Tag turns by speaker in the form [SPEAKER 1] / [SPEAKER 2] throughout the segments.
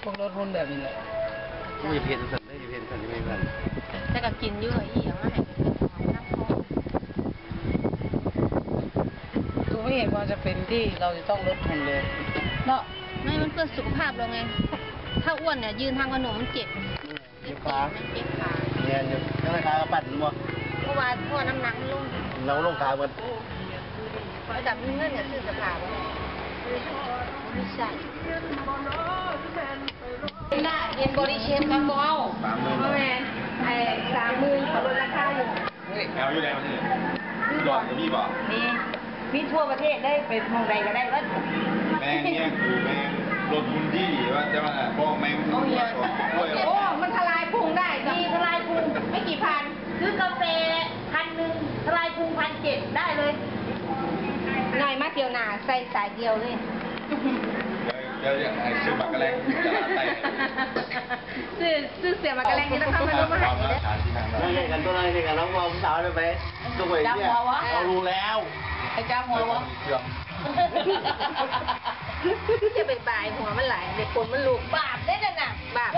[SPEAKER 1] พวกรถหุ้นแบบนี้แหละ
[SPEAKER 2] มีเพนสันได้เพนสันที่ไม่กัน
[SPEAKER 3] แต่ก็กินเยอะอีอย่างมาให้เป็นน้ำพอง
[SPEAKER 1] คือไม่เห็นว่าจะเป็นที่เราจะต้องลดทุนเลยเนาะ
[SPEAKER 3] ไม่มันเพื่อสุขภาพเราไงถ้าอ้วนเนี่ยยืนทางขนมมันเจ็บ
[SPEAKER 2] เจ็บขา
[SPEAKER 3] มันเจ็บขา
[SPEAKER 2] เนี่ยเจ็บข้างขากระปั่นมั้ง
[SPEAKER 3] เพราะว่าน้ำหนักมันลง
[SPEAKER 2] เราลงขามัน
[SPEAKER 3] เพราะแต่มีเงินเนี่ยซื้อเสภาพไม่ใช่น่าเย็นบริเชฟกันบ่เอาเพราะแม่ไอ้30,000เขาลดราคาอยู่
[SPEAKER 4] แอลอยู่แล้วนี่หลอดกับพี่บอก
[SPEAKER 3] มีทั่วประเทศได้ไปมองใดก็ได้ว่า
[SPEAKER 4] แมงเนี่ยคือแมงรถบุญที่ว่าจะมาพวกแมง
[SPEAKER 3] โอ้ย
[SPEAKER 4] โอ้ย
[SPEAKER 3] โอ้มันทลายพุงได้มีทลายพุงไม่กี่พันซื้อกาแฟ1,000ทลายพุง1,700ได้เลยหน่อยมากเดียวหนาใส่สายเดียวเลย
[SPEAKER 4] เดี๋ยวไอ้ชื่อบักกะแรงไต่
[SPEAKER 3] ซื้อเสียมากระแรงนี่ต้องเข้ามาลงมาหายเลย
[SPEAKER 2] นั่นเองกันตัวนั้นเองกันน้องมองสาวเลยไปตัวไปเนี่ยเรารู้แล้ว
[SPEAKER 1] ไอ้จ้าหัววะ
[SPEAKER 3] จะไปบ่ายหัวมันไหลเด็กคนมันลูกบาปได้น่ะนะบาปได้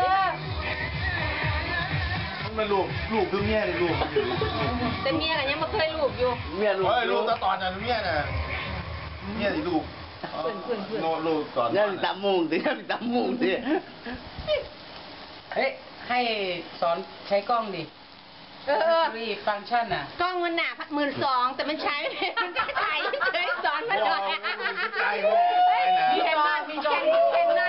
[SPEAKER 4] มันลูกคือเมียเลยลูก
[SPEAKER 3] แต่เมียกันยังไม่เคยลูกอยู่
[SPEAKER 2] เมียรู้
[SPEAKER 4] เฮ้ยลูกตอนนั้นเมียน่ะเมียสิลูกโนลูกตอน
[SPEAKER 2] เนี่ยตามมุงดิตามมุงดิ
[SPEAKER 1] เฮ้ยให้สอนใช้กล้องดิรีฟังก์ชันอ่ะ
[SPEAKER 3] กล้องมันหนา12,000แต่มันใช้ไม่ได้มันก็ถ่ายเฉยสอนมาหน่อยมีแค่นั่นมีจอมีแค่นั่น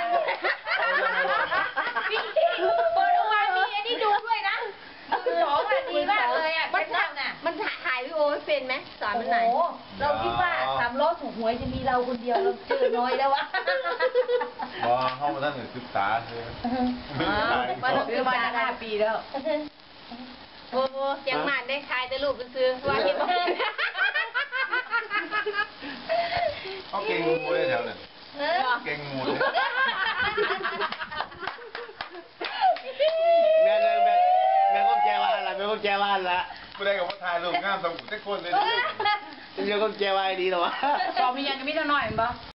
[SPEAKER 3] มีบริวารมีอันนี้ดูด้วยนะ2อ่ะดีมากเลยอ่ะมันถ่ายวิดีโอเป็นไหมสอนมันไหน
[SPEAKER 5] เราคิดว่า3 ล้อถูกหวยจะมีเราคนเดียวเราเจอน้อยแล้ววะ
[SPEAKER 4] พอเข้ามาตั้งแต่ศึกษาคือ
[SPEAKER 5] มาซื้อมาตั้ง5 ปีแล้ว
[SPEAKER 3] โอ้ยังหมันได้ขายแต่ลูกซื้อว่าเห็นไหม
[SPEAKER 4] เขาเก่งงูเลยแถวนั้นเก่งงูเลย
[SPEAKER 2] แม่ก็แจว่าละแม่ก็แจว่าละ
[SPEAKER 4] ไม่ได้กับว่าถ่ายรูปงามสมุนทุกคนเลย
[SPEAKER 2] แม่ก็แจว่าดีหรอวะ
[SPEAKER 1] สอบมียังจะมีเท่าน้อยมั้ย